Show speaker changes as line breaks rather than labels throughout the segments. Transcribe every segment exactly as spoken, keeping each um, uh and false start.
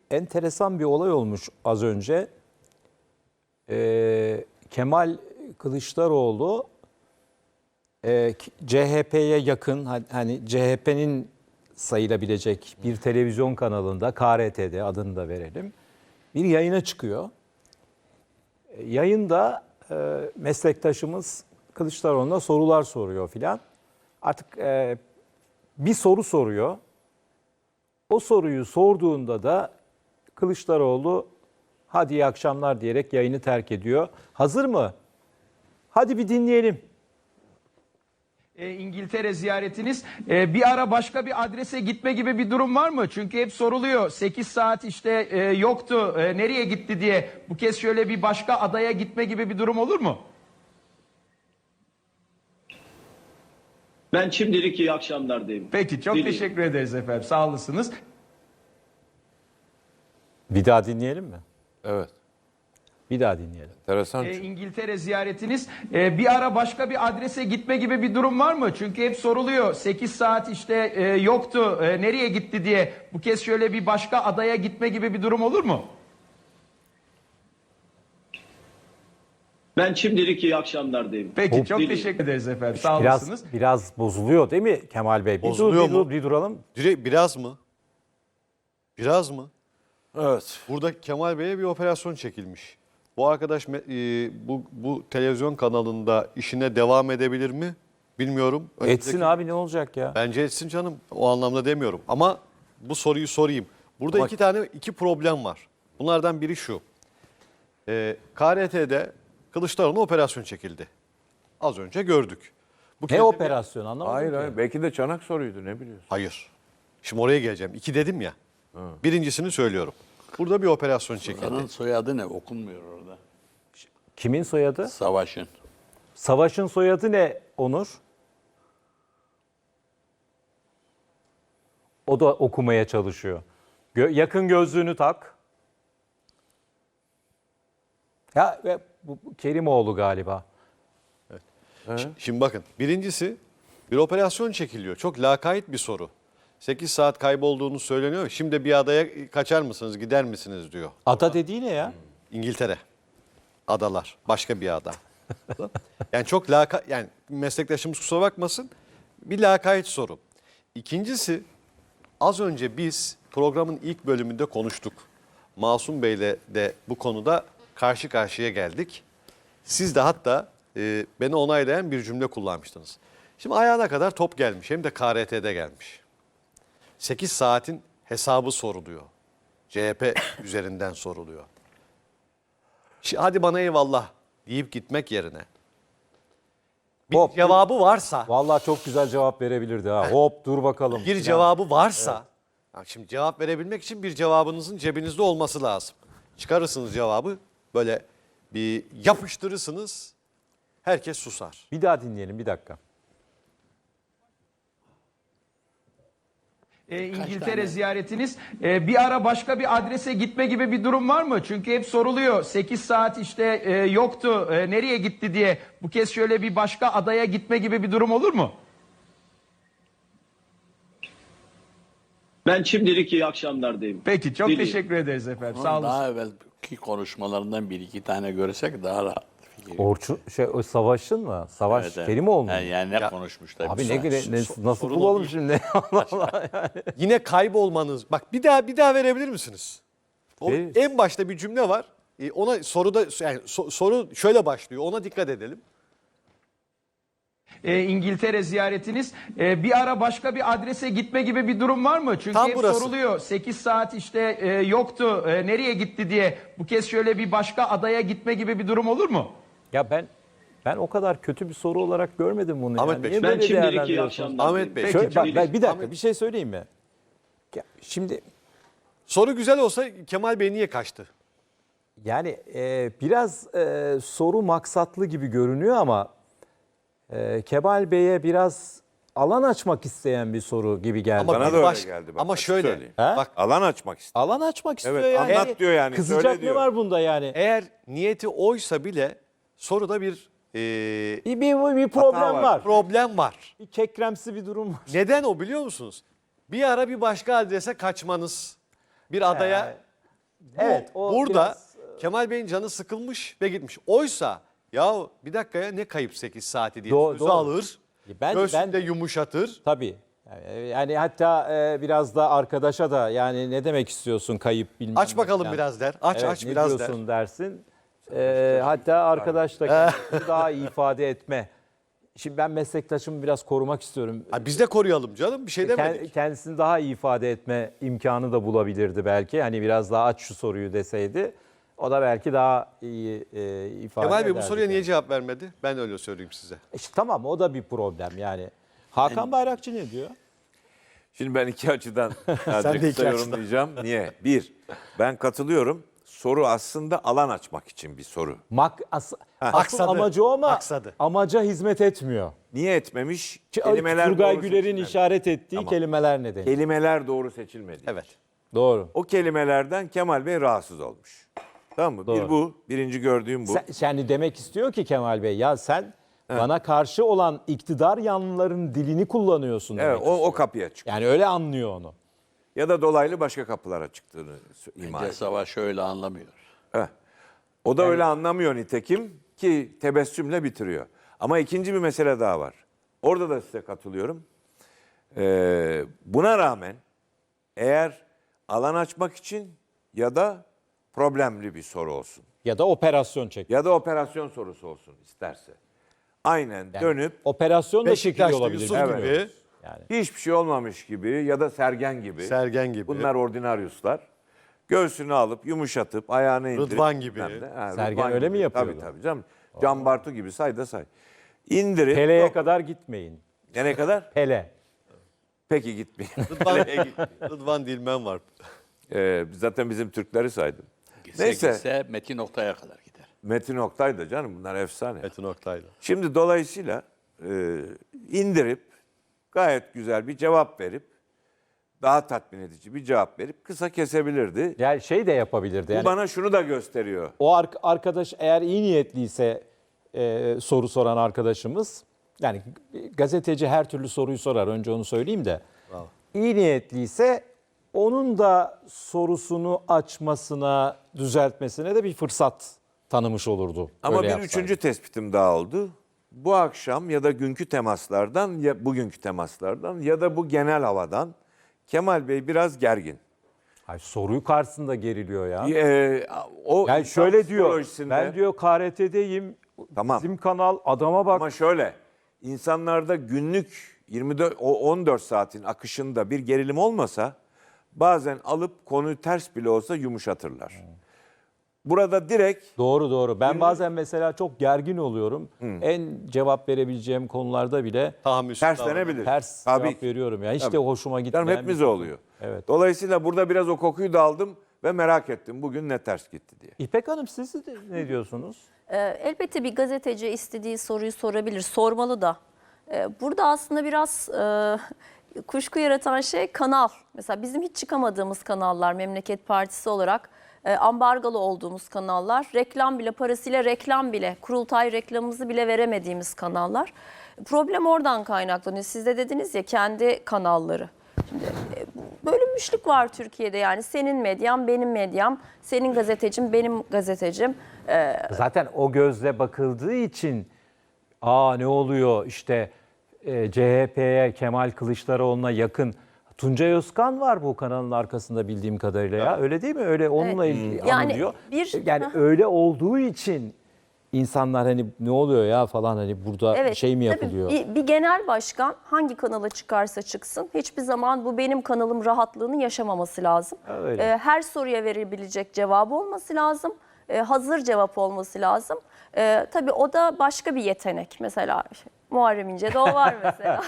enteresan bir olay olmuş az önce. Ee, Kemal Kılıçdaroğlu e, C H P'ye yakın, hani C H P'nin sayılabilecek bir televizyon kanalında, K R T'de adını da verelim, bir yayına çıkıyor. E, yayında e, meslektaşımız Kılıçdaroğlu'na sorular soruyor filan. Artık e, bir soru soruyor. O soruyu sorduğunda da Kılıçdaroğlu hadi iyi akşamlar diyerek yayını terk ediyor. Hazır mı? Hadi bir dinleyelim.
E, İngiltere ziyaretiniz e, bir ara başka bir adrese gitme gibi bir durum var mı? Çünkü hep soruluyor. sekiz saat işte e, yoktu. E, nereye gitti diye. Bu kez şöyle bir başka adaya gitme gibi bir durum olur mu?
Ben şimdilik iyi akşamlar diyeyim.
Peki çok
Dileyim.
teşekkür ederiz efendim. Sağ olasınız.
Bir daha dinleyelim mi?
Evet.
Bir daha dinleyelim.
Enteresan.
E,
çünkü.
İngiltere ziyaretiniz e, bir ara başka bir adrese gitme gibi bir durum var mı? Çünkü hep soruluyor. sekiz saat işte e, yoktu. E, nereye gitti diye. Bu kez şöyle bir başka adaya gitme gibi bir durum olur mu?
Ben şimdilik iyi akşamlar diyeyim.
Peki çok
Dileyim.
teşekkür ederiz efendim. Sağ
Biraz
olasınız.
biraz bozuluyor değil mi Kemal Bey? Bir dur,
Bozuluyor
bir, dur,
mu?
bir duralım.
Direkt biraz mı? Biraz mı?
Evet.
Burada Kemal Bey'e bir operasyon çekilmiş. Bu arkadaş me- e, bu, bu televizyon kanalında işine devam edebilir mi? Bilmiyorum.
Etsin
Önümüzdeki-
abi, ne olacak ya?
Bence etsin canım. O anlamda demiyorum. Ama bu soruyu sorayım. Burada
Ama-
iki tane iki problem var. Bunlardan biri şu. Ee, K R T'de Kılıçdaroğlu'na operasyon çekildi. Az önce gördük. Bu kez
Ne
de bir-
operasyon anlamadım
Hayır
ki.
hayır. Belki de çanak soruydu, ne biliyorsun?
Hayır. Şimdi oraya geleceğim. İki dedim ya. Birincisini söylüyorum. Burada bir operasyon çekildi.
Onun soyadı ne? Okunmuyor orada.
Kimin soyadı?
Savaş'ın.
Savaş'ın soyadı ne Onur? O da okumaya çalışıyor. Gö- yakın gözlüğünü tak. Ya ve bu bu Kerimoğlu galiba.
Şimdi bakın, birincisi bir operasyon çekiliyor. Çok lakayt bir soru. sekiz saat kaybolduğunu söyleniyor. Şimdi bir adaya kaçar mısınız, gider misiniz diyor.
Ada dediği ne ya?
İngiltere. Adalar. Başka bir ada. Yani çok laka, yani meslektaşımız kusura bakmasın. Bir lakayt soru. İkincisi, az önce biz programın ilk bölümünde konuştuk. Masum Bey'le de bu konuda karşı karşıya geldik. Siz de hatta e, beni onaylayan bir cümle kullanmıştınız. Şimdi ayağına kadar top gelmiş, hem de K R T'de gelmiş. sekiz saatin hesabı soruluyor. C H P üzerinden soruluyor. Şimdi hadi bana eyvallah deyip gitmek yerine bir
Hop.
cevabı varsa,
Vallahi çok güzel cevap verebilirdi ha. Hop dur bakalım.
bir cevabı varsa, ya şimdi cevap verebilmek için bir cevabınızın cebinizde olması lazım. Çıkarırsınız cevabı, böyle bir yapıştırırsınız, herkes susar.
Bir daha dinleyelim, bir dakika.
E, İngiltere ziyaretiniz e, bir ara başka bir adrese gitme gibi bir durum var mı? Çünkü hep soruluyor. sekiz saat işte e, yoktu. E, nereye gitti diye. Bu kez şöyle bir başka adaya gitme gibi bir durum olur mu?
Ben şimdilik iyi akşamlar diyeyim.
Peki çok
Dileyim.
teşekkür ederiz efendim.
Onun
Sağ olun.
daha evvelki konuşmalarından bir iki tane görsek daha rahat fikir.
Orçun şey o Savaş'ın mı? Savaş
Evet, evet.
Kerimoğlu mu?
Yani, yani ne konuşmuşlar?
Abi
bir
ne,
saat.
ne, ne- nasıl
sorun o
bulalım
değil.
şimdi? Allah Allah yani.
Yine kaybolmanız, bak bir daha bir daha verebilir misiniz? O
Veririz.
en başta bir cümle var. E, Ona soruda yani so- soru şöyle başlıyor. Ona dikkat edelim.
E, İngiltere ziyaretiniz e, bir ara başka bir adrese gitme gibi bir durum var mı? Çünkü
Tam
hep
burası.
soruluyor. sekiz saat işte e, yoktu. E, nereye gitti diye. Bu kez şöyle bir başka adaya gitme gibi bir durum olur mu?
Ya ben ben o kadar kötü bir soru olarak görmedim bunu.
Ahmet
yani.
Bey,
Niye
Ben
böyle
şimdilik iyi
değerlendiriyorsunuz?
akşamlar
Ahmet
diyeyim.
Bey,
Şöyle, bak,
Dileyim.
ben bir dakika bir şey söyleyeyim mi? Ya, şimdi
Soru güzel olsa Kemal Bey niye kaçtı?
yani e, biraz e, soru maksatlı gibi görünüyor ama e, Kemal Bey'e biraz alan açmak isteyen bir soru gibi geldi.
Ama
Bana
bir
da öyle
baş-
geldi, bak,
ama
açık
şöyle.
söyleyeyim.
Ha?
Bak,
Alan açmak istedim.
Alan açmak istiyor
Evet,
yani.
anlat diyor yani,
Kızacak
söyle
ne
diyor.
var bunda yani?
eğer niyeti oysa bile soruda bir e,
Bir, bir, bir problem
Hata var.
var.
problem var.
Bir kekremsi bir durum var.
Neden o biliyor musunuz? Bir ara bir başka adrese kaçmanız, bir adaya
Evet, o
Burada
biraz-
Kemal Bey'in canı sıkılmış ve gitmiş. Oysa ya bir dakikaya ne kayıp sekiz saati diye
Doğru,
sözü
doğru.
alır.
Ben-
göğsünde
ben-
yumuşatır.
Tabii. Yani, yani hatta e, biraz da arkadaşa da yani ne demek istiyorsun kayıp bilmem
Aç
ne
bakalım
falan.
biraz der. Aç
Evet,
aç
ne
biraz der.
diyorsun dersin. E, hatta arkadaş da kendisini daha iyi ifade etme. Şimdi ben meslektaşımı biraz korumak istiyorum.
Ha, biz de koruyalım canım bir şey
Kend-
demedik.
Kendisini daha iyi ifade etme imkanı da bulabilirdi belki. Hani biraz daha aç şu soruyu deseydi. O da belki daha iyi e, ifade
Kemal Bey bu
ederdi
soruya niye
kendini.
cevap vermedi? Ben öyle söyleyeyim size.
İşte tamam, o da bir problem yani. Hakan Bayrakçı ne diyor?
Şimdi ben iki açıdan
Sen
sadece
de
kısa
iki açıdan.
yorumlayacağım. Niye? Bir, ben katılıyorum. Soru aslında alan açmak için bir soru.
Mak as, asıl
Aksadı,
amacı o ama
aksadı.
amaca hizmet etmiyor.
Niye etmemiş?
Ki-
Kelimeler
Turgay
doğru
Güler'in
seçilmedi.
işaret ettiği
Tamam.
kelimeler nedeni.
Kelimeler doğru seçilmedi.
Evet.
Doğru.
O kelimelerden Kemal Bey rahatsız olmuş. Tamam mı?
Doğru.
Bir bu. Birinci gördüğüm bu.
Sen, yani demek istiyor ki Kemal Bey, ya sen bana karşı olan iktidar yanlıların dilini kullanıyorsun demek
Evet, o,
istiyor.
o kapıya çık.
Yani öyle anlıyor onu.
Ya da dolaylı başka kapılara çıktığını ima
Bence
ediyor.
Savaş öyle anlamıyor.
Heh. O da öyle anlamıyor nitekim ki tebessümle bitiriyor. Ama ikinci bir mesele daha var. Orada da size katılıyorum. Ee, buna rağmen eğer alan açmak için ya da problemli bir soru olsun
Ya da operasyon çek.
ya da operasyon sorusu olsun isterse. Aynen
Yani
dönüp
operasyon da çekiliyor
Beşiktaş'ta
olabilir.
Yusuf
bilmiyoruz.
gibi,
Yani.
hiçbir şey olmamış gibi ya da Sergen gibi.
Sergen gibi.
Bunlar ordinaryuslar. Göğsünü alıp yumuşatıp ayağını indirip.
Rıdvan gibi.
bilmem ne. Ha,
Sergen
Rıdvan
öyle
gibi.
mi yapıyordu?
Tabii tabii canım. Can Bartu gibi say da say. İndirip.
Pele'ye
Yok.
kadar gitmeyin.
Nereye kadar?
Pele.
Peki gitmeyin.
Rıdvan, Rıdvan Dilmen var.
Ee, zaten bizim Türkleri saydım.
Gitse
Neyse.
gitse Metin Oktay'a kadar gider.
Metin Oktay da canım bunlar efsane.
Metin Oktay'la.
Şimdi dolayısıyla e, indirip gayet güzel bir cevap verip daha tatmin edici bir cevap verip kısa kesebilirdi.
Yani şey de yapabilirdi.
Bu
Yani
bana şunu da gösteriyor.
o ar- arkadaş eğer iyi niyetliyse e, soru soran arkadaşımız, yani gazeteci her türlü soruyu sorar, önce onu söyleyeyim de. İyi niyetliyse onun da sorusunu açmasına, düzeltmesine de bir fırsat tanımış olurdu.
Ama
Öyle
bir
yapsaydı.
üçüncü tespitim daha oldu. Bu akşam ya da günkü temaslardan ya bugünkü temaslardan ya da bu genel havadan Kemal Bey biraz gergin.
Ay, soruyu karşısında geriliyor ya.
Ee, o
Yani
insan
şöyle diyor,
psikolojisinde-
ben diyor K R T'deyim,
Tamam.
bizim kanal, adama bak.
Ama şöyle, insanlarda günlük yirmi dört o on dört saatin akışında bir gerilim olmasa bazen alıp konuyu ters bile olsa yumuşatırlar. Burada direkt
Doğru doğru. Ben bazen mesela çok gergin oluyorum. En cevap verebileceğim konularda bile
Tahammülsüz davranış.
terslenebilir.
ters
Tabii.
cevap veriyorum. Ya hiç
Tabii.
de hoşuma gitmeyen.
Canım
bir
hepimize
konu.
oluyor.
Evet.
Dolayısıyla burada biraz o kokuyu da aldım ve merak ettim bugün ne ters gitti diye.
İpek Hanım, siz de ne diyorsunuz?
Ee, elbette bir gazeteci istediği soruyu sorabilir, sormalı da. Ee, burada aslında biraz e, kuşku yaratan şey kanal. Mesela bizim hiç çıkamadığımız kanallar, Memleket Partisi olarak e, ambargalı olduğumuz kanallar, reklam bile, parasıyla reklam bile, kurultay reklamımızı bile veremediğimiz kanallar. Problem oradan kaynaklanıyor. Siz de dediniz ya, kendi kanalları. Şimdi e, bölünmüşlük var Türkiye'de, yani senin medyan, benim medyam, senin gazetecim, benim gazetecim. Ee,
Zaten o gözle bakıldığı için aa ne oluyor işte e, C H P'ye, Kemal Kılıçdaroğlu'na yakın Tuncay Özkan var bu kanalın arkasında bildiğim kadarıyla ya. Öyle değil mi? Öyle onunla
Evet.
ilgili
Yani
anılıyor.
bir-
yani
Hah.
öyle olduğu için insanlar hani ne oluyor ya falan, hani burada
Evet,
şey mi
tabii
yapılıyor?
Bir, bir genel başkan hangi kanala çıkarsa çıksın hiçbir zaman bu benim kanalım rahatlığını yaşamaması lazım.
Öyle.
Ee, her soruya verebilecek cevabı olması lazım. Ee, hazır cevap olması lazım. Ee, tabii o da başka bir yetenek. Mesela Muharrem İnce'de o var mesela.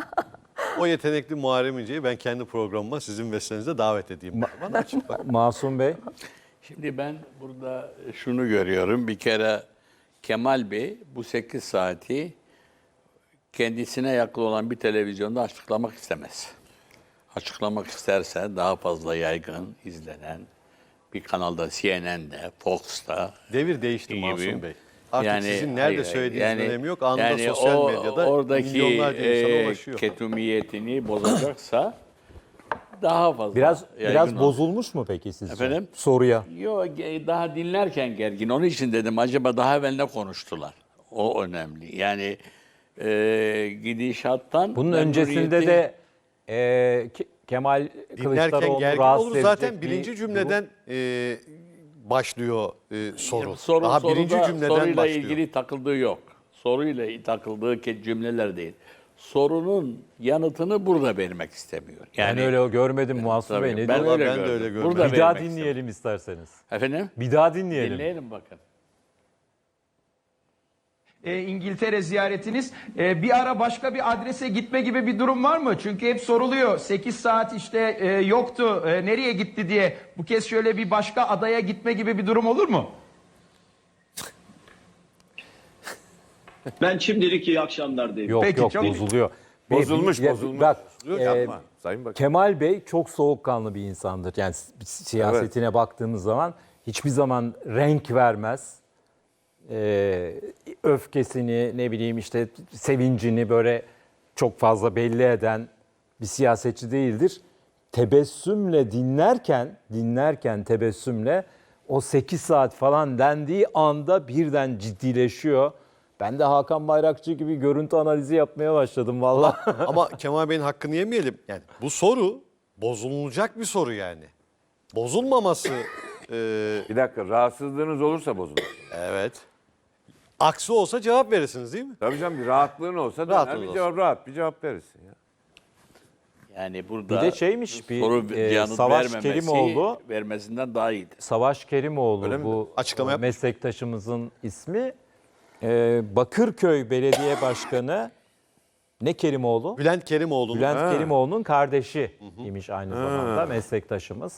O yetenekli Muharrem İnce'yi ben kendi programıma sizin vesilenizle davet edeyim. Bana açık bak.
Masum Bey.
Şimdi ben burada şunu görüyorum. Bir kere Kemal Bey bu sekiz saati kendisine yakın olan bir televizyonda açıklamak istemez. Açıklamak isterse daha fazla yaygın izlenen bir kanalda, C N N'de, Fox'ta
Devir değişti
gibi.
Masum Bey. Artık sizin nerede
hayır,
söylediğinizin
yani-
önemi yok. Anında
yani
sosyal
o-
medyada
oradaki
milyonlarca insana
e,
ulaşıyor.
ketumiyetini bozacaksa daha fazla.
Biraz
yaygın
biraz
oldu.
bozulmuş mu peki sizce?
Efendim?
Soruya.
Yok, daha dinlerken gergin. Onun için dedim acaba daha evvel ne konuştular? O önemli. Yani e, gidişattan...
Bunun öncesinde
memnuniyeti-
de e, Ke- Kemal
Dinlerken
Kılıçdaroğlu
gergin
rahatsız
olur.
edecek
Zaten
bir
birinci
durum.
cümleden e, başlıyor e, soru.
Soru,
Daha
soruda
birinci cümleden
soruyla
başlıyor.
ilgili takıldığı yok. Soruyla takıldığı ke- cümleler değil. Sorunun yanıtını burada vermek istemiyor.
Yani öyle o görmedim Muhasır
Tabii,
Bey. Ne
ben
diyor?
öyle
ben de
gördüm.
öyle görmedim.
Burada
Bir daha
vermek
dinleyelim isterseniz.
istemiyorum. Efendim?
Bir daha dinleyelim.
Dinleyelim bakın.
E, İngiltere ziyaretiniz e, bir ara başka bir adrese gitme gibi bir durum var mı? Çünkü hep soruluyor sekiz saat işte e, yoktu e, nereye gitti diye. Bu kez şöyle bir başka adaya gitme gibi bir durum olur mu?
Ben şimdilik iyi akşamlar diyeyim.
Yok
Peki,
yok
çok-
bozuluyor.
Bozulmuş,
Ya,
bozulmuş.
Bak,
Bozuluyor,
e,
yapma. Sayın Bakan.
Kemal Bey çok soğukkanlı bir insandır. Yani si- siyasetine baktığımız zaman hiçbir zaman renk vermez. Ee, öfkesini, ne bileyim işte sevincini böyle çok fazla belli eden bir siyasetçi değildir. Tebessümle dinlerken, dinlerken tebessümle o sekiz saat falan dendiği anda birden ciddileşiyor. Ben de Hakan Bayrakçı gibi görüntü analizi yapmaya başladım vallahi.
Ama Kemal Bey'in hakkını yemeyelim. Yani bu soru bozulacak bir soru yani. Bozulmaması e,
Bir dakika, rahatsızlığınız olursa bozulur.
evet. Aksi olsa cevap verirsiniz değil mi?
Tabii canım, bir rahatlığın olsa da
Rahatlığın
bir
olsun.
cevap, rahat bir cevap verirsin ya.
Yani burada
Bir de şeymiş, bir,
soru
e,
yanıt
Savaş
vermemesi
Kerimoğlu-
vermesinden daha iyidir.
Savaş Kerimoğlu
Öyle mi?
bu
Açıklama yapmış.
meslektaşımızın ismi. Ee, Bakırköy Belediye Başkanı ne Kerimoğlu?
Bülent Kerimoğlu'nun
Bülent Kerimoğlu'nun kardeşi imiş aynı zamanda meslektaşımız.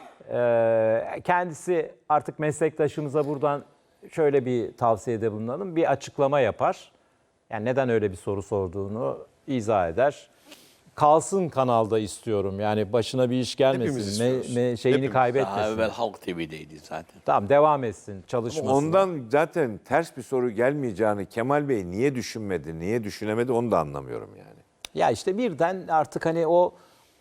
Ee, kendisi artık meslektaşımıza buradan şöyle bir tavsiyede bulunalım. Bir açıklama yapar. Yani neden öyle bir soru sorduğunu izah eder. Kalsın kanalda istiyorum. Yani başına bir iş
Hepimiz
gelmesin.
istiyoruz.
Me, me- şeyini
Hepimiz.
kaybetmesin.
Daha evvel Halk T V'deydi zaten.
Tamam, devam etsin çalışmasına.
Ondan zaten ters bir soru gelmeyeceğini Kemal Bey niye düşünmedi, niye düşünemedi onu da anlamıyorum yani.
Ya işte birden artık hani o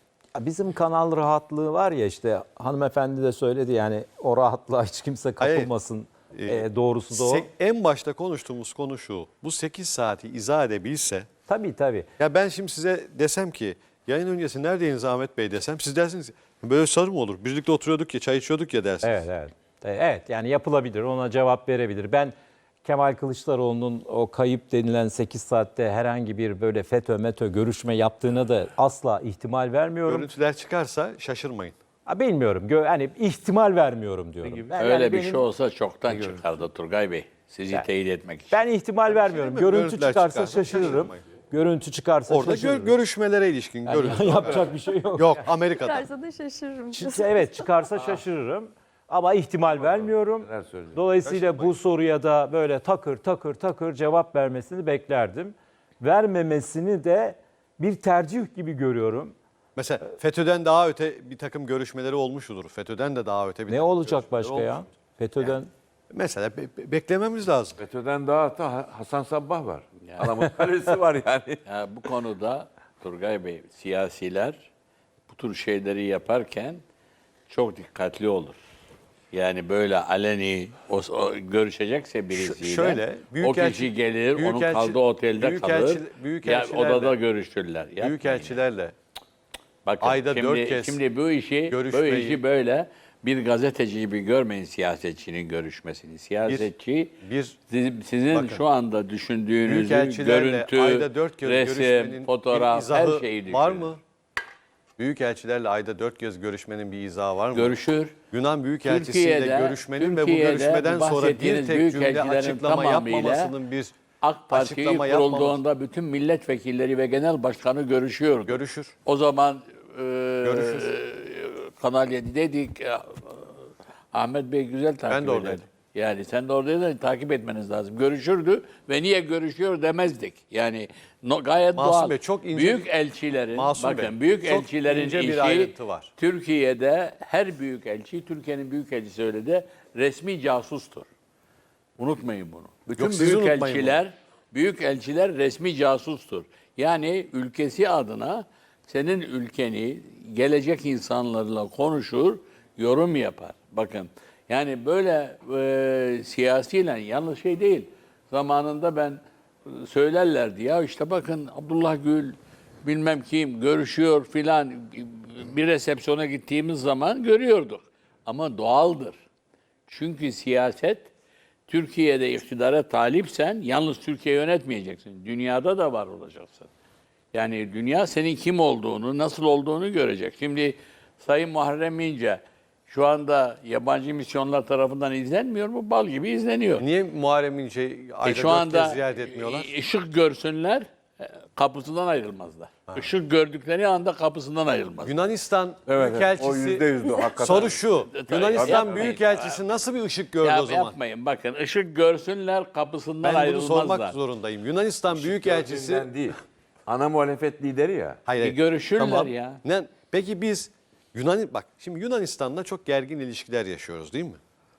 bizim kanal rahatlığı var ya, işte hanımefendi de söyledi yani, o rahatlığa hiç kimse
Hayır,
kapılmasın. Ee, doğrusu da o.
Se- en başta konuştuğumuz konu şu. Bu sekiz saati izah edebilse.
Tabii tabii.
Ya ben şimdi size desem ki yayın öncesi neredeydiniz Ahmet Bey desem, siz dersiniz ki, böyle soru mu olur? Birlikte oturuyorduk ya, çay içiyorduk ya dersiniz.
Evet evet. E, Evet yani yapılabilir, ona cevap verebilir. Ben Kemal Kılıçdaroğlu'nun o kayıp denilen sekiz saatte herhangi bir böyle FETÖ METÖ görüşme yaptığına da asla ihtimal vermiyorum.
Görüntüler çıkarsa şaşırmayın.
Ha, bilmiyorum. Gö- hani ihtimal vermiyorum diyorum. Ben,
Öyle
yani
bir
benim-
şey olsa çoktan çıkardı Turgay Bey. Sizi
Yani-
teyit etmek için.
Ben ihtimal vermiyorum.
mi?
Görüntü
Görüntüler
çıkarsa
çıkarsa
şaşırırım.
şaşırmayın.
Görüntü çıkarsa
Orada gö-
şaşırırım.
görüşmelere ilişkin görüntü.
Yapacak bir şey yok.
Yok, Amerika'da.
Çıkarsa da şaşırırım.
Çıksa- evet çıkarsa şaşırırım. Ama ihtimal vermiyorum.
Neler söyleyecek?
Dolayısıyla bu soruya da böyle takır takır takır cevap vermesini beklerdim. Vermemesini de bir tercih gibi görüyorum.
Mesela FETÖ'den daha öte bir takım görüşmeleri olmuştur. FETÖ'den de daha öte bir
Ne
takım
olacak
görüşmeleri
başka ya?
olmuştur.
FETÖ'den
Mesela be- be- beklememiz lazım.
FETÖ'den daha hatta Ha- Hasan Sabbah var. Adamın kalesi var yani.
Ya bu konuda Turgay Bey, siyasiler bu tür şeyleri yaparken çok dikkatli olur. Yani böyle aleni o, o görüşecekse birisiyle
şöyle,
o
büyükelçi-
kişi gelir, onun
büyükelçi-
kaldığı otelde
büyükelçi-
kalır. Ya
büyükelçilerle-
odada görüşürler. Yapmayın.
Büyükelçilerle
Bakın,
ayda
şimdi,
dört kez
şimdi bu işi, bu
görüşmeyi-
işi böyle bir gazeteci gibi görmeyin siyasetçinin görüşmesini. Siyasetçi
bir-
sizin, sizin
bakın,
şu anda düşündüğünüzü,
büyükelçilerle
görüntü,
ayda dört kez
resim,
görüşmenin bir
fotoğraf,
izahı
her şeyi düşünür.
var mı? Büyükelçilerle ayda dört kez görüşmenin bir izahı var mı?
Görüşür.
Yunan Büyükelçisiyle
Türkiye'de-
görüşmenin ve bu
Türkiye'de
görüşmeden
bu
sonra bir
bahsettiğiniz
tek cümle
büyükelçilerin
açıklama
tamamıyla
yapmamasının bir
AK Parti
açıklama yapmaması.
kurulduğunda bütün milletvekilleri ve genel başkanı görüşüyordu.
Görüşür.
O zaman e,
Görüşür.
Kanal yedideydik. E, Ahmet Bey güzel takip
Ben de oradaydım.
ederdi. Yani sen de oradaydın, takip etmeniz lazım. Görüşürdü ve niye görüşüyor demezdik. Yani no, gayet
Masum
doğal.
Bey, çok ince
büyük
bir-
elçilerin,
Masum
bakın
Bey,
büyük
çok
elçilerin
ince bir
işi
ayrıntı var.
Türkiye'de her büyük elçi, Türkiye'nin büyük elçisi öyle de resmi casustur. Unutmayın bunu. Bütün
Yok, siz
büyük
unutmayın
elçiler, büyük elçiler resmi casustur. Yani ülkesi adına senin ülkeni gelecek insanlarla konuşur, yorum yapar. Bakın yani böyle e, siyasiyle yanlış şey değil. Zamanında ben e, söylerlerdi ya işte bakın Abdullah Gül bilmem kim görüşüyor filan, bir resepsiyona gittiğimiz zaman görüyorduk. Ama doğaldır. Çünkü siyaset, Türkiye'de iktidara talipsen yalnız Türkiye yönetmeyeceksin. Dünyada da var olacaksın. Yani dünya senin kim olduğunu, nasıl olduğunu görecek. Şimdi Sayın Muharrem İnce şu anda yabancı misyonlar tarafından izlenmiyor mu? Bal gibi izleniyor.
Niye Muharrem İnce'yi
E
ayda
şu
dört
anda
kez ziyaret etmiyorlar?
e, ışık görsünler, e, kapısından ayrılmazlar. Işık gördükleri anda kapısından ayrılmazlar.
Yunanistan
Evet, evet, o
Büyükelçisi,
yüzde yüzdü hakikaten.
soru şu,
Tabii,
Yunanistan
yapmayın.
Büyükelçisi nasıl bir ışık gördü
Ya
o zaman?
yapmayın bakın, ışık görsünler, kapısından
Ben bunu
ayrılmazlar.
sormak zorundayım. Yunanistan Büyükelçisi...
Gördüğünden değil. Ana muhalefet lideri ya.
Hayır,
Bir
hayır.
görüşürler ya.
Ne, peki biz Yunan bak şimdi Yunanistan'la çok gergin ilişkiler yaşıyoruz değil mi?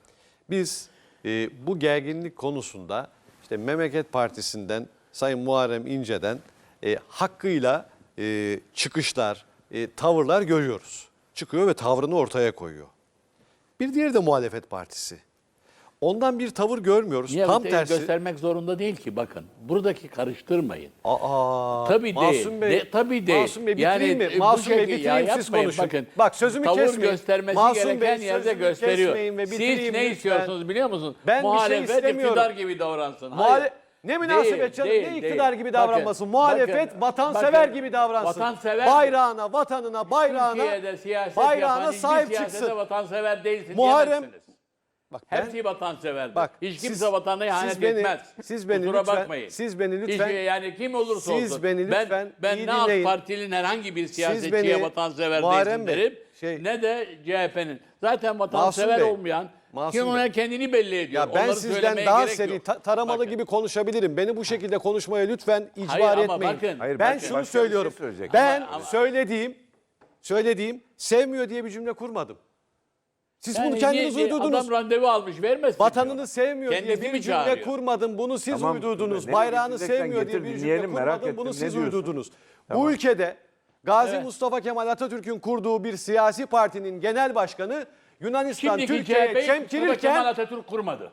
Biz e, bu gerginlik konusunda işte Memleket Partisi'nden Sayın Muharrem İnce'den e, hakkıyla e, çıkışlar, e, tavırlar görüyoruz. Çıkıyor ve tavrını ortaya koyuyor. Bir diğeri de muhalefet partisi. Ondan bir tavır görmüyoruz.
Niye
Tam
öyle
tersi.
göstermek zorunda değil ki bakın. Buradaki karıştırmayın.
Aa,
Tabii
Masum
değil.
Bey,
De- tabii değil.
Masum Bey bitireyim
Yani,
mi?
e, bu
Masum Bey
şekil-
bitireyim
ya
siz
yapmayın,
konuşun.
bakın.
Bak sözümü
Tavır
kesmeyin.
göstermesi
Masum
gereken
Bey,
yerde
sözümü
gösteriyor.
kesmeyin ve
Siz
bitireyim
ne
lütfen.
istiyorsunuz biliyor musunuz?
Ben bir şey
Muhalefet
istemiyorum.
iktidar gibi davransın.
Muhale-
Hayır.
Ne münasebet
Değil,
canım,
değil,
ne iktidar
değil.
gibi
Bakın,
davranmasın. Muhalefet
bakın,
vatansever
bakın,
gibi davransın.
vatansever-
Bayrağına, vatanına, bayrağına,
Türkiye'de siyaset
bayrağına
yapan
sahip
hiçbir siyasete
çıksın.
vatansever değilsin
Muharrem-
diyemezsiniz.
Bak ben,
Hepsi vatanseverdir.
Bak,
Hiç kimse
siz-
vatanına ihanet
siz beni-
etmez.
siz beni
Kusura
lütfen-
bakmayın.
siz beni lütfen-
Hiç, yani kim olursa
siz
olsun.
beni lütfen
ben ben
iyi
ne AK
dinleyin.
Parti'nin herhangi bir siyasetçiye
beni-
vatansever
Muharrem
değilsin
Bey,
derim.
şey-
ne de C H P'nin. Zaten vatansever
Bey,
olmayan
Masum
kim
Bey.
ona kendini belli ediyor.
ya ben
Onları
sizden
söylemeye
daha
gerek
seri
yok.
ta- taramalı
Bakın.
gibi konuşabilirim. Beni bu şekilde konuşmaya lütfen icbar
Hayır ama
etmeyin.
bakın-
Hayır,
ben
bakın,
şunu
başka bir şey
söylüyorum.
söyleyecek.
ben
Ama- ama-
söylediğim söylediğim sevmiyor diye bir cümle kurmadım. Siz
Yani
bunu kendiniz
niye-
uydurdunuz.
Adam randevu almış vermez.
Vatanını sevmiyor
Kendisi
diye
mi
bir cümle
çağırıyor?
kurmadım. Bunu siz
Tamam,
uydurdunuz.
ne
Bayrağını
getireceksen
sevmiyor diye
getir,
bir cümle
dinleyelim, merak
kurmadım. Bunu
ettim.
siz
Ne diyorsun?
uydurdunuz.
Tamam.
Bu ülkede Gazi
Evet.
Mustafa Kemal Atatürk'ün kurduğu bir siyasi partinin genel başkanı Yunanistan
Şimdiki C H
Türkiye'ye
P'yi Kemal
çemkirirken
Atatürk kurmadı.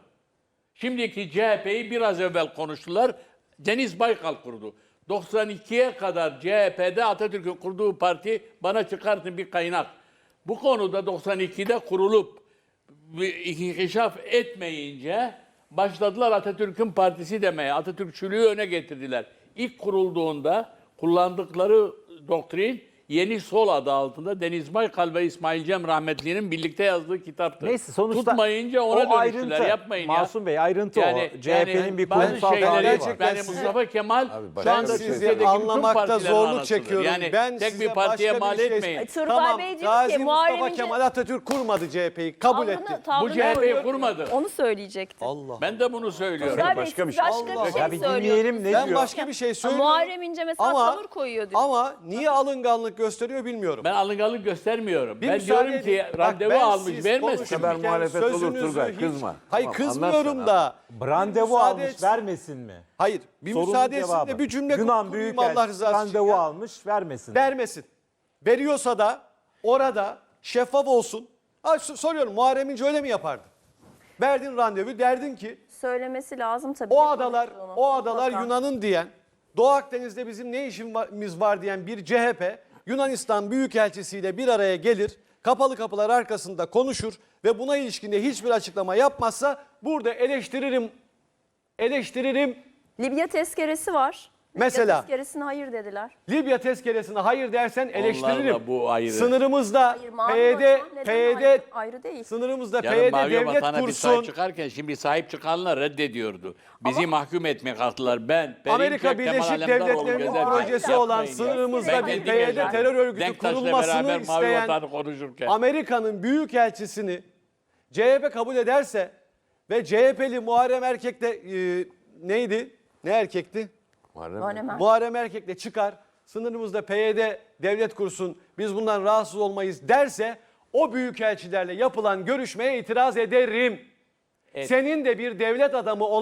Şimdiki C H P'yi biraz evvel konuştular. Deniz Baykal kurdu. doksan ikiye kadar C H P'de Atatürk'ün kurduğu parti bana çıkartın bir kaynak. Bu konuda doksan ikide kurulup bir inkişaf etmeyince başladılar Atatürk'ün partisi demeye. Atatürkçülüğü öne getirdiler. İlk kurulduğunda kullandıkları doktrin Yeni Sol adı altında Deniz Baykal ve İsmail Cem rahmetli'nin birlikte yazdığı kitaptı.
Neyse sonuçta
Tutmayınca ona
o
dönüştüler.
ayrıntı.
Yapmayın ya.
Masum Bey ayrıntı o. C H P'nin bir
bazı
kurumsal
şeyleri-
tarihi var.
Gerçekten
Yani
sizi-
Mustafa Kemal
başka
şu anda
bir şey
Türkiye'deki
sizi
bütün
anlamakta
partilerin
zorluk
anasıdır.
çekiyorum.
Yani
ben
tek
size
bir partiye
başka
mal
bir şey-
etmeyin.
Turgay
Tamam,
Bey diyor
Gazi
ki,
Mustafa
Muharrem İnce-
Kemal Atatürk kurmadı C H P'yi. Kabul
Tavrını-
etti.
tavrını
Bu C H P'yi
koruyor.
kurmadı.
Onu söyleyecekti.
Allah.
Ben de bunu söylüyorum.
Turgay Bey,
başka
siz
bir şey.
başka
Allah.
bir şey
Ya bir
söylüyorsunuz.
dinleyelim ne
Ben
diyor.
başka bir şey
Ama
söylüyorum.
Muharrem İnce mesela
Ama-
tavır koyuyor diyor.
Ama niye alınganlık gösteriyor bilmiyorum.
Ben alınganlık göstermiyorum.
Bir
ben
müsaade
diyorum ki
edin. Bak,
randevu
ben
almış
siz
vermezsin.
konuşurken
kadar muhalefet olur
sözünüzü
Turgay,
hiç-
kızma.
Hayır
Tamam,
kızmıyorum
anlatsana.
da.
Randevu
müsaade
almış
etsin.
vermesin mi?
Hayır bir
Sorunun
müsaade etsin
cevabı.
de bir cümle
Yunan
kurayım
Büyükelçisi
Allah rızası için
randevu
ya.
almış vermesin.
Vermesin. Veriyorsa da orada şeffaf olsun. Ha, s- soruyorum Muharrem İnce öyle mi yapardı? Verdin randevu derdin ki
Söylemesi lazım tabii.
o
Ne
adalar
konuştuğunu.
o adalar
Mutlaka.
Yunan'ın diyen, Doğu Akdeniz'de bizim ne işimiz var diyen bir C H P Yunanistan Büyükelçisiyle bir araya gelir, kapalı kapılar arkasında konuşur ve buna ilişkin de hiçbir açıklama yapmazsa burada eleştiririm eleştiririm.
Libya tezkeresi var. Libya
Mesela?
tezkeresine hayır dediler.
Libya tezkeresine hayır dersen eleştiririm.
Onlarla bu ayrı.
Sınırımızda
Hayır, mavi
P Y D
vatan neden
P Y D
ayrı, ayrı değil.
sınırımızda P
Yarın
Y D
Mavi
devlet
Vatan'a bir sahip
kursun.
çıkarken şimdi sahip çıkanlar reddediyordu. Bizi mahkum etmeye kalktılar. Ben,
Amerika
Perinçek, Kemal
Birleşik
Alemdaroğlu
Devletleri'nin
gezerken
projesi
yapmayın
olan
ya.
sınırımızda
Ben
bir
kendim
P Y D
yaşadım.
terör örgütü
Denktaş'la
kurulmasını
beraber Mavi
isteyen
Vatan'ı konuşurken.
Amerika'nın büyükelçisini C H P kabul ederse ve C H P'li Muharrem Erkek de e, neydi? Ne erkekti?
Muharrem Er-
Muharrem Erkek de çıkar. Sınırımızda P Y D devlet kursun. Biz bundan rahatsız olmayız derse o büyükelçilerle yapılan görüşmeye itiraz ederim.
Evet.
Senin de bir devlet adamı olarak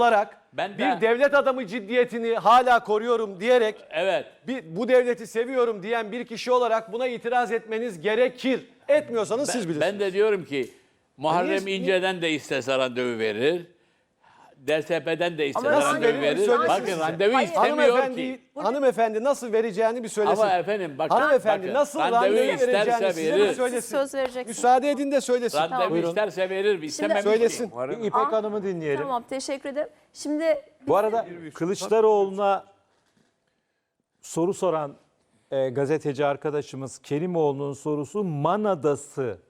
Ben de-
bir devlet adamı ciddiyetini hala koruyorum diyerek
Evet.
bir, bu devleti seviyorum diyen bir kişi olarak buna itiraz etmeniz gerekir. Etmiyorsanız siz bilirsiniz.
Ben de diyorum ki Muharrem
Niye-
İnce'den de istese randevu verir. D S P'den de istese
Ama
randevu
verir mi?
verir.
Söylesin
Bakın
size.
randevu
Hayır.
istemiyor
hanımefendi,
ki.
hanımefendi nasıl vereceğini bir söylesin.
Ama efendim bakın.
hanımefendi
bakın,
nasıl
randevu
randevu
isterse
vereceğini size
verir.
bir söylesin.
Siz söz vereceksiniz.
Müsaade edin de söylesin.
Randevu
Buyurun.
isterse verir. İstememiş ki.
Söylesin.
Bir İpek Hanım'ı dinleyelim.
Tamam, teşekkür ederim. Şimdi
Bu arada Kılıçdaroğlu'na soru soran e, gazeteci arkadaşımız Kerimoğlu'nun sorusu Man Adası'nı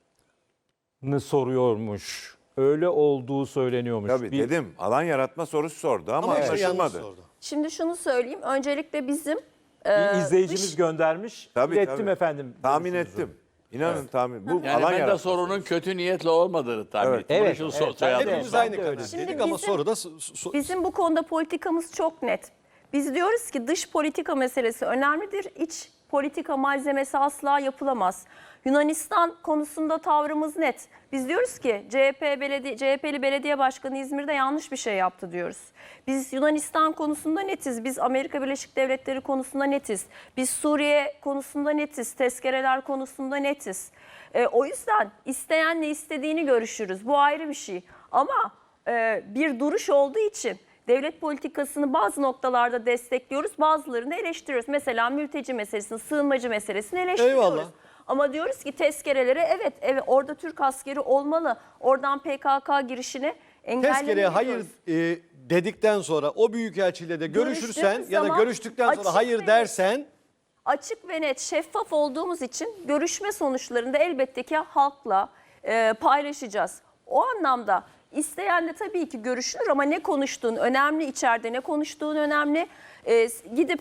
soruyormuş. Öyle olduğu söyleniyormuş.
Tabii
Bir-
dedim alan yaratma sorusu sordu ama,
Ama işte yanlış
anlaşılmadı.
sordu.
şimdi şunu söyleyeyim. Öncelikle bizim
Bir
e,
izleyicimiz
dış-
göndermiş.
Tabii,
İlettim
tabii.
efendim.
Tahmin
görüşünüzü.
ettim. İnanın tahmin. Bu
Yani
alan
ben de
yaratma.
sorunun kötü niyetle olmadığını tahmin
Evet.
ettim.
Evet,
Şu
evet.
so- soyadı
Ben de-
Hepimiz
ben
aynı
de
karar
öyle.
Şimdi
dedik ama
bizim-
soruda so- so-
Bizim bu konuda politikamız çok net. Biz diyoruz ki dış politika meselesi önemlidir. İç politika malzemesi asla yapılamaz. Yunanistan konusunda tavrımız net. Biz diyoruz ki C H P belediye, C H P'li belediye başkanı İzmir'de yanlış bir şey yaptı diyoruz. Biz Yunanistan konusunda netiz. Biz Amerika Birleşik Devletleri konusunda netiz. Biz Suriye konusunda netiz. Tezkereler konusunda netiz. E, o yüzden isteyenle istediğini görüşürüz. Bu ayrı bir şey. Ama e, bir duruş olduğu için devlet politikasını bazı noktalarda destekliyoruz, bazılarını eleştiriyoruz. Mesela mülteci meselesini, sığınmacı meselesini eleştiriyoruz.
Eyvallah.
Ama diyoruz ki tezkerelere evet, evet orada Türk askeri olmalı. Oradan P K K girişini engellemeli
tezkereye hayır
diyoruz.
e, dedikten sonra o büyükelçiyle de görüşürsen
Görüştüğümüz
ya da
zaman
görüştükten sonra
açık
hayır
ve-
dersen
Açık ve net, şeffaf olduğumuz için görüşme sonuçlarında elbette ki halkla e, paylaşacağız. O anlamda isteyen de tabii ki görüşülür ama ne konuştuğun önemli, içeride ne konuştuğun önemli. E, gidip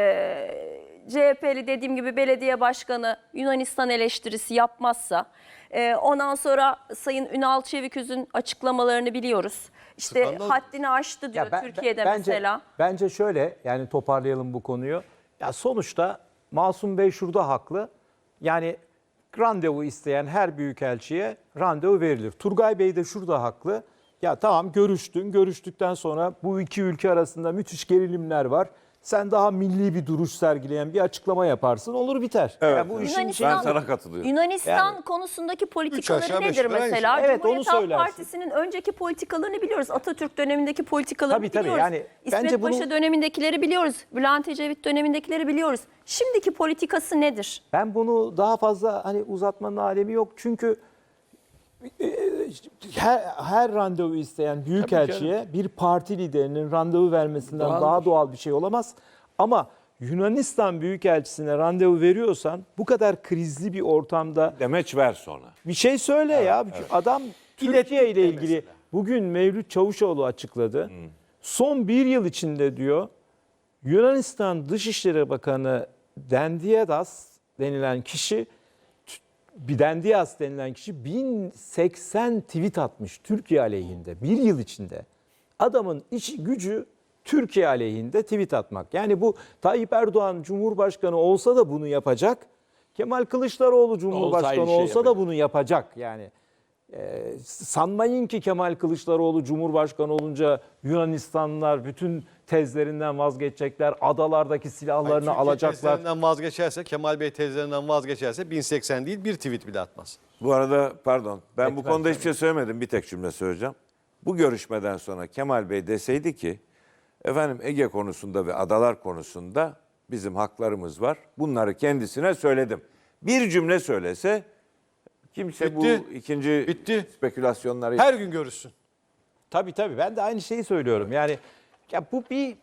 e, C H P'li dediğim gibi belediye başkanı Yunanistan eleştirisi yapmazsa, e, ondan sonra Sayın Ünal Çeviköz'ün açıklamalarını biliyoruz. İşte
Skandal.
haddini aştı diyor
Ya ben-
Türkiye'de
ben- bence,
mesela.
Bence şöyle, yani toparlayalım bu konuyu. Ya sonuçta Masum Bey şurada haklı. Yani randevu isteyen her büyükelçiye randevu verilir. Turgay Bey de şurada haklı. Ya tamam, görüştün. Görüştükten sonra bu iki ülke arasında müthiş gerilimler var. Sen daha milli bir duruş sergileyen bir açıklama yaparsın, olur biter.
Evet,
Ya bu
evet.
işin
Yunanistan-
Ben sana katılıyorum.
Yunanistan
Yani-
konusundaki
Üç
politikaları
aşağı beş
nedir
yukarı aynı
mesela?
şey. Evet, onu
Cumhuriyet Halk
söylersin.
Partisi'nin önceki politikalarını biliyoruz. Atatürk dönemindeki politikalarını
Tabii, tabii.
biliyoruz.
Yani
İsmet
bence bunu-
Paşa dönemindekileri biliyoruz. Bülent Ecevit dönemindekileri biliyoruz. Şimdiki politikası nedir?
Ben bunu daha fazla hani uzatmanın alemi yok. Çünkü e, her, her randevu isteyen büyükelçiye bir parti liderinin randevu vermesinden
Doğaldır.
daha doğal bir şey olamaz. Ama Yunanistan büyükelçisine randevu veriyorsan bu kadar krizli bir ortamda
Demeç ver sonra.
bir şey söyle ya. Adam Türkiye ile ilgili bugün Mevlüt Çavuşoğlu açıkladı. Son bir yıl içinde diyor Yunanistan Dışişleri Bakanı Dendiadas denilen kişi Bidendias denilen kişi bin seksen tweet atmış Türkiye aleyhinde bir yıl içinde. Adamın iş gücü Türkiye aleyhinde tweet atmak. Yani bu Tayyip Erdoğan Cumhurbaşkanı olsa da bunu yapacak. Kemal Kılıçdaroğlu Cumhurbaşkanı
Olsaydı şey
olsa da
yapacak.
bunu yapacak. Yani e, sanmayın ki Kemal Kılıçdaroğlu Cumhurbaşkanı olunca Yunanistanlılar bütün tezlerinden vazgeçecekler. Adalardaki silahlarını
Türkiye
alacaklar.
tezlerinden vazgeçerse, Kemal Bey tezlerinden vazgeçerse bin seksen değil bir tweet bile atmaz.
Bu arada pardon ben bu
Lütfen,
konuda hiçbir şey söylemedim. Bir tek cümle söyleyeceğim. Bu görüşmeden sonra Kemal Bey deseydi ki efendim Ege konusunda ve adalar konusunda bizim haklarımız var. Bunları kendisine söyledim. Bir cümle söylese kimse
Bitti.
bu ikinci
Bitti.
spekülasyonları
Her gün görüşsün.
Tabii tabii, ben de aynı şeyi söylüyorum. Yani ya bu bir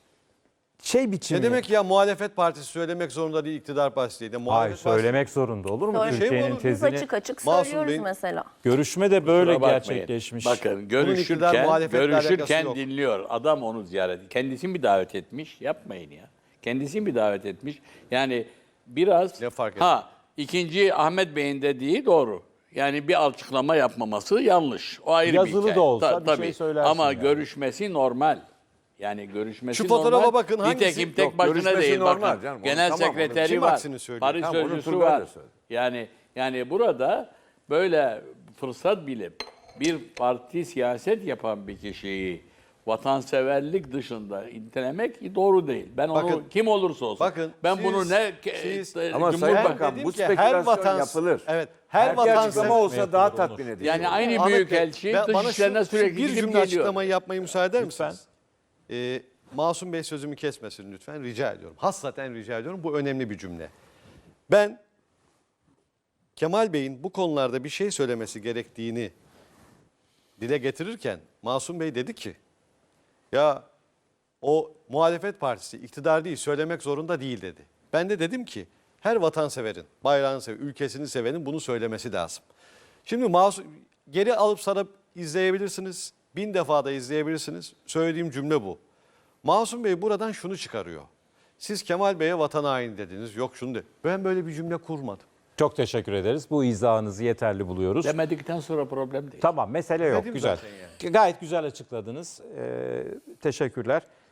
şey biçimi.
Ne demek ya muhalefet partisi söylemek zorunda değil, iktidar partisi değil. De
Hayır,
muhalefet
söylemek zorunda olur mu?
Doğru.
Şey mi
Türkiye'nin
olur?
Biz
tezini.
açık açık
Masum
söylüyoruz
Bey'in-
mesela.
Görüşme de böyle
Kusura bakmayın.
gerçekleşmiş.
Bakın
iktidar,
görüşürken,
muhalefetle alakası
görüşürken
yok.
dinliyor. Adam onu ziyaret. Kendisini bir davet etmiş. Yapmayın ya. Kendisini bir davet etmiş. Yani biraz
Ne fark
ha ikinci Ahmet Bey'in dediği doğru. Yani bir açıklama yapmaması yanlış. O ayrı
Yazılı
bir hikaye.
da olsa
Ta-
bir şey
tabii.
söylersin
Ama
yani.
görüşmesi normal. Yani görüşmesi
Şu fotoğrafa
normal.
bakın, hangisi?
Nitekim tek
Yok,
başına
görüşmesi
değil.
normal
Bakın,
canım. Onu
genel
tamam, onu
sekreteri
kim
var.
aksini söylüyor?
Paris
Tamam, onu
sözcüsü
Turgay da
var.
söyledi.
Yani yani burada böyle fırsat bilip bir parti siyaset yapan bir kişiyi vatanseverlik dışında nitelemek doğru değil. Ben onu
Bakın-
kim olursa olsun.
bakın
ben
siz-
bunu ne
siz-
e,
Ama
Cumhurbaşkanı-
Sayın
Ben
Bakan
dedim
bu
ki her
spekülasyon
vatan-
yapılır.
Evet, her
Her bir
vatan-
açıklama olsa daha tatmin edici.
yani aynı
Ahmet Bey,
büyükelçi
ben-
dış
bana şu-
işlerine
şu
sürekli
bir
gidip
cümle
geliyor.
açıklamayı yapmayı müsaade eder
Lütfen.
misiniz? Ee, Masum Bey sözümü kesmesin lütfen, rica ediyorum. Hassaten rica ediyorum, bu önemli bir cümle. Ben Kemal Bey'in bu konularda bir şey söylemesi gerektiğini dile getirirken Masum Bey dedi ki, ya o muhalefet partisi iktidar değil, söylemek zorunda değil dedi. Ben de dedim ki her vatanseverin, bayrağını seven, ülkesini sevenin bunu söylemesi lazım. Şimdi Masum, geri alıp sarıp izleyebilirsiniz, bin defa da izleyebilirsiniz. Söylediğim cümle bu. Masum Bey buradan şunu çıkarıyor. Siz Kemal Bey'e vatan haini dediniz, yok şunu de. Ben böyle bir cümle kurmadım.
Çok teşekkür ederiz. Bu izahınızı yeterli buluyoruz.
Demedikten sonra problem değil.
Tamam, mesele yok.
Dedim
Güzel.
zaten yani.
Gayet güzel açıkladınız. Ee, teşekkürler.